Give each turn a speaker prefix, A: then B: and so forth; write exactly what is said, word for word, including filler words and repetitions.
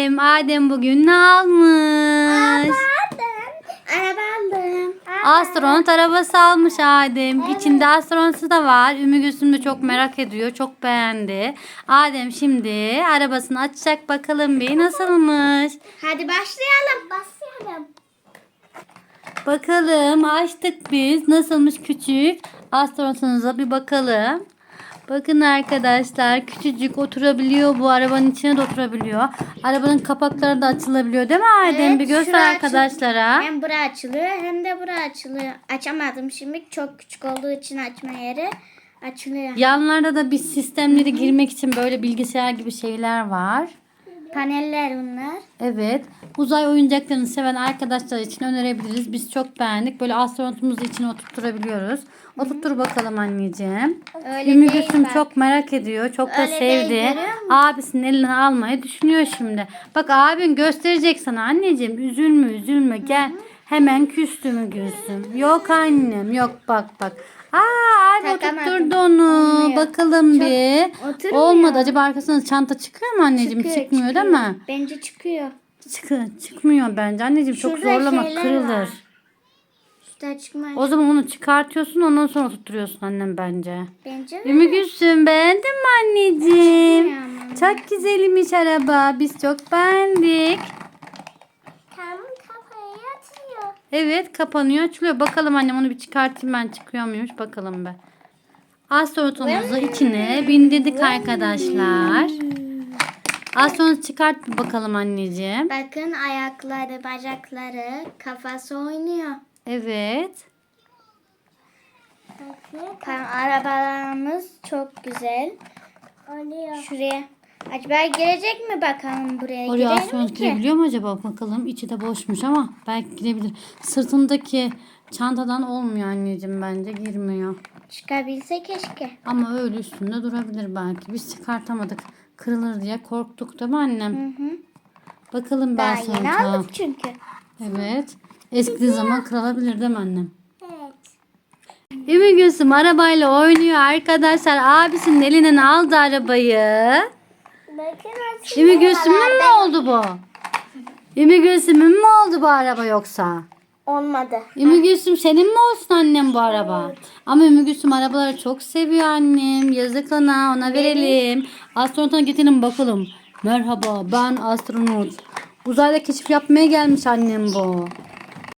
A: Adem. Adem bugün ne almış?
B: Araba aldım.
A: Astronot arabası almış Adem. İçinde astronotu da var. Ümmü Gülsüm de çok merak ediyor. Çok beğendi. Adem şimdi arabasını açacak, bakalım bir nasılmış.
B: Hadi başlayalım. Başlayalım.
A: Bakalım, açtık biz. Nasılmış küçük? Astronotunuza bir bakalım. Bakın arkadaşlar, küçücük, oturabiliyor, bu arabanın içine de oturabiliyor. Arabanın kapakları da açılabiliyor değil mi Adem?
B: Evet,
A: bir göster
B: şura
A: arkadaşlara.
B: Hem bura açılıyor hem de bura açılıyor. Açamadım şimdi. Çok küçük olduğu için açma yeri açılıyor.
A: Yanlarda da bir sistemleri girmek için böyle bilgisayar gibi şeyler var.
B: Paneller bunlar.
A: Evet. Uzay oyuncaklarını seven arkadaşlar için önerebiliriz. Biz çok beğendik. Böyle astronotumuzu içine oturtturabiliyoruz. Oturttur bakalım anneciğim.
B: Öyle
A: Ümmü
B: değil
A: Gülsüm
B: bak.
A: çok merak ediyor. Çok da
B: Öyle değil,
A: sevdi.
B: görüyor musun?
A: Abisinin elinden almayı düşünüyor şimdi. Bak abin gösterecek sana anneciğim. Üzülme üzülme gel. Hemen küstü mü Gülsüm? Yok annem yok, bak bak. Aa abi
B: Takamadım.
A: oturtturdu onu.
B: Olmuyor.
A: Bakalım bir.
B: oturmuyor.
A: Olmadı. Acaba arkasına çanta çıkıyor mu anneciğim?
B: Çıkıyor,
A: Çıkmıyor
B: çıkıyor.
A: değil mi?
B: Bence çıkıyor.
A: Çıkı, çıkmıyor bence. Anneciğim çok
B: Şurada
A: zorlama,
B: şeyler
A: kırılır.
B: var. Üstten çıkmaz.
A: O zaman onu çıkartıyorsun, ondan sonra tutturuyorsun annem bence.
B: Bence mi?
A: Ümmü Gülsüm, beğendin mi anneciğim?
B: Bilmiyorum.
A: Çok güzelmiş araba. Biz çok beğendik.
B: Tam kafayı atıyor.
A: Evet, kapanıyor, açılıyor. Bakalım annem, onu bir çıkartayım ben, çıkıyor muymuş bakalım be. Astronotumuzu içine bindirdik arkadaşlar. Astronot çıkart bir bakalım anneciğim.
B: Bakın ayakları, bacakları, kafası oynuyor.
A: Evet.
B: Bakın arabalarımız çok güzel. Şuraya. Acaba girecek mi bakalım buraya?
A: Oraya
B: Girelim
A: astronot
B: ki.
A: girebiliyor mu acaba? Bakalım. İçi de boşmuş ama belki girebilir. Sırtındaki çantadan olmuyor anneciğim, bence girmiyor.
B: Çıkabilse keşke.
A: Ama öyle üstünde durabilir belki. Biz çıkartamadık. Kırılır diye korktuk değil mi annem?
B: Hı hı.
A: Bakalım
B: Daha
A: ben
B: yeni
A: sonra.
B: aldık çünkü.
A: Evet. Eski zaman kırılabilir değil mi annem?
B: Evet.
A: Ümmü Gülsüm arabayla oynuyor arkadaşlar. Abisinin elinden aldı arabayı.
B: Bakın
A: Ümmü Gülsüm'ün mü oldu bu? Ümmü Gülsüm'ün mü oldu bu araba yoksa?
B: Olmadı.
A: Ümmü Gülsüm senin mi olsun annem bu araba? Ama Ümmü Gülsüm arabaları çok seviyor annem. Yazık ona, ona verelim. Astronota getirin bakalım. Merhaba, ben astronot. Uzayda keşif yapmaya gelmiş annem bu.